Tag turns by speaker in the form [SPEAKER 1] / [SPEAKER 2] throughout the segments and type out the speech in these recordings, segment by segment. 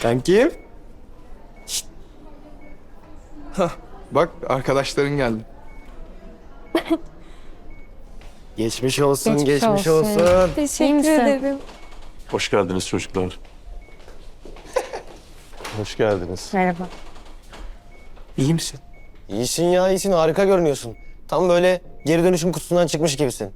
[SPEAKER 1] Kankim.
[SPEAKER 2] Hah, bak arkadaşların geldi.
[SPEAKER 1] Geçmiş olsun, geçmiş,
[SPEAKER 3] Geçmiş olsun.
[SPEAKER 1] olsun.
[SPEAKER 3] Teşekkür ederim.
[SPEAKER 4] Hoş geldiniz çocuklar. Hoş geldiniz.
[SPEAKER 3] Merhaba.
[SPEAKER 2] İyi misin?
[SPEAKER 1] İyisin ya, iyisin. Harika görünüyorsun. Tam böyle geri dönüşüm kutusundan çıkmış gibisin.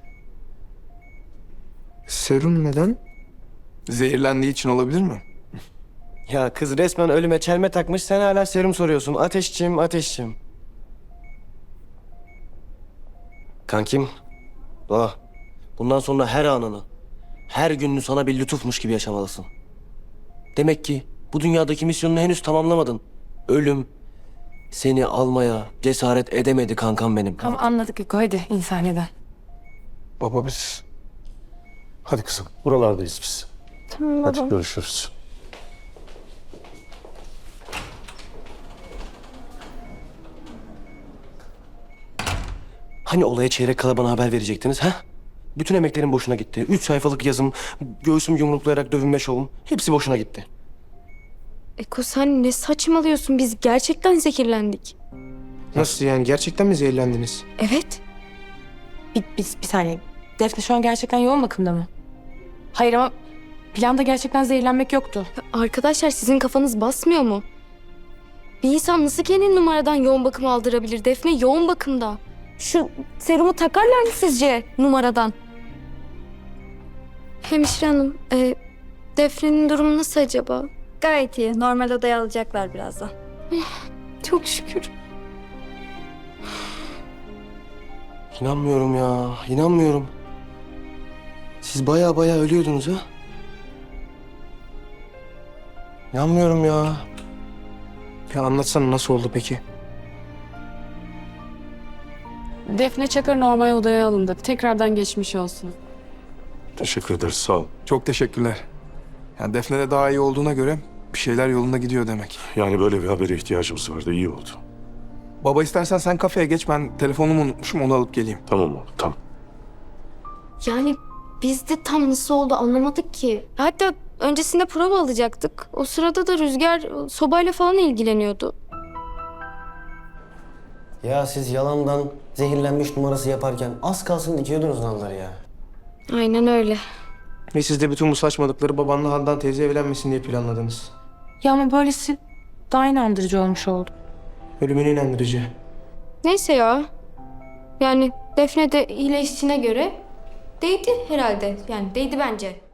[SPEAKER 2] Serum neden? Zehirlendiği için olabilir mi?
[SPEAKER 1] Ya kız resmen ölüme çelme takmış, sen hala serum soruyorsun. Ateşçim, ateşçim. Kankim, Doğa. Bundan sonra her anını, her gününü sana bir lütufmuş gibi yaşamalısın. Demek ki bu dünyadaki misyonunu henüz tamamlamadın. Ölüm seni almaya cesaret edemedi kankam benim.
[SPEAKER 3] Tamam anladık Eko, hadi insaniyeden.
[SPEAKER 2] Baba biz...
[SPEAKER 4] Hadi kızım, buralardayız biz.
[SPEAKER 3] Tamam
[SPEAKER 4] Hadi görüşürüz.
[SPEAKER 1] Hani olaya çeyrek kala bana haber verecektiniz ha? Bütün emeklerim boşuna gitti. 3 sayfalık yazım, göğsüm yumruklayarak dövünme şovum. Hepsi boşuna gitti.
[SPEAKER 5] Eko sen ne saçmalıyorsun? Biz gerçekten zehirlendik.
[SPEAKER 2] Nasıl yani? Gerçekten mi zehirlendiniz?
[SPEAKER 5] Evet.
[SPEAKER 3] Bir saniye. Defne şu an gerçekten yoğun bakımda mı? Hayır ama planda gerçekten zehirlenmek yoktu.
[SPEAKER 5] Arkadaşlar sizin kafanız basmıyor mu? Bir insan nasıl kendini numaradan yoğun bakıma aldırabilir? Defne yoğun bakımda. Şu serumu takarlar mı sizce numaradan? Hemşire hanım, Defne'nin durumu nasıl acaba?
[SPEAKER 6] Gayet iyi. Normal odaya alacaklar birazdan.
[SPEAKER 5] Çok şükür.
[SPEAKER 1] İnanmıyorum ya, inanmıyorum. Siz baya baya ölüyordunuz ha? İnanmıyorum ya.
[SPEAKER 2] Ya anlatsana nasıl oldu peki?
[SPEAKER 7] Defne Çakır normal odaya alındı. Tekrardan geçmiş olsun.
[SPEAKER 4] Teşekkür ederiz, sağ ol.
[SPEAKER 2] Çok teşekkürler. Yani Defne de daha iyi olduğuna göre bir şeyler yolunda gidiyor demek.
[SPEAKER 4] Yani böyle bir habere ihtiyacımız vardı, iyi oldu.
[SPEAKER 2] Baba istersen sen kafeye geç, ben telefonumu unutmuşum, onu alıp geleyim.
[SPEAKER 4] Tamam oğlum, tamam.
[SPEAKER 5] Yani biz de tam nasıl oldu anlamadık ki. Hatta öncesinde prova alacaktık. O sırada da Rüzgar sobayla falan ilgileniyordu.
[SPEAKER 1] Ya siz yalandan zehirlenmiş numarası yaparken az kalsın dikiyordunuz nalları ya.
[SPEAKER 5] Aynen öyle.
[SPEAKER 2] Ve siz de bütün bu saçmalıkları babanla Handan teyze evlenmesin diye planladınız.
[SPEAKER 3] Ya ama böylesi daha inandırıcı olmuş oldu.
[SPEAKER 2] Ölümüne inandırıcı.
[SPEAKER 5] Neyse ya. Yani Defne de iyileştiğine göre değdi herhalde. Yani değdi bence.